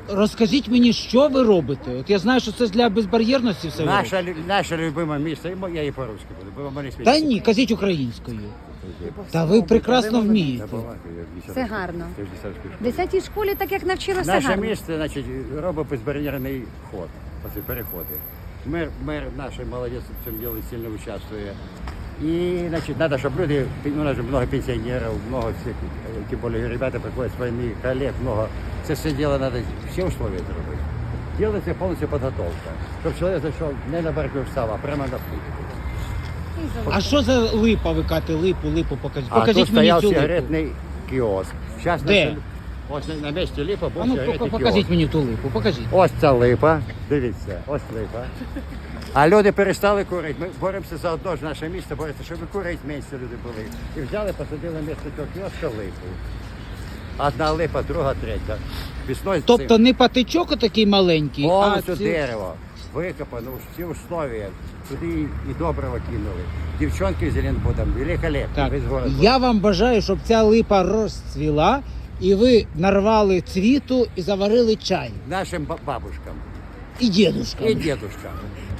розкажіть мені, що ви робите? От я знаю, що це для безбар'єрності все. Наше любиме місце, я і по-русски буду, бо вони Та ні, кажіть українською. Та ви прекрасно вмієте. Це гарно. В 10-й школі так як навчилося Наше гарно. місце, значить, робить безбар'єрний ход, оці переходи. Мер наш молодець в цьому ділі сильно участвує. І, значить, треба, щоб люди, у нас же много пенсіонерів, много всіх, тим більше ребята приходять з війни, колег, много. Це все діло треба, всі условия зробити. Ділиться повністю підготовка, щоб чоловік зайшов не на берегу встав, а прямо на путь. А що за липа? Ви кажете, липу покажіть. А тут Покажіть мені стояв цю липу. сигаретний кіоск. Зараз Де? ось на місці липа був А ну сигаретний покажіть кіоск. мені ту липу, покажіть. Ось ця липа, дивіться, ось липа. А люди перестали курити. Ми боремося за одно ж наше місто, боремося, щоб курити менше люди були. І взяли, посадили місце цього кіоска липу. Одна липа, друга, третя. Весною Тобто не патичок такий маленький, а повністю ці... дерево. Викопано, всі условия. Туди і доброго кинули. Дівчонки з Зеленбудом, великолепно. Так, Весь город. я вам бажаю, щоб ця липа розцвіла, і ви нарвали цвіту і заварили чай. Нашим бабушкам І дідушкам. і дедушкам.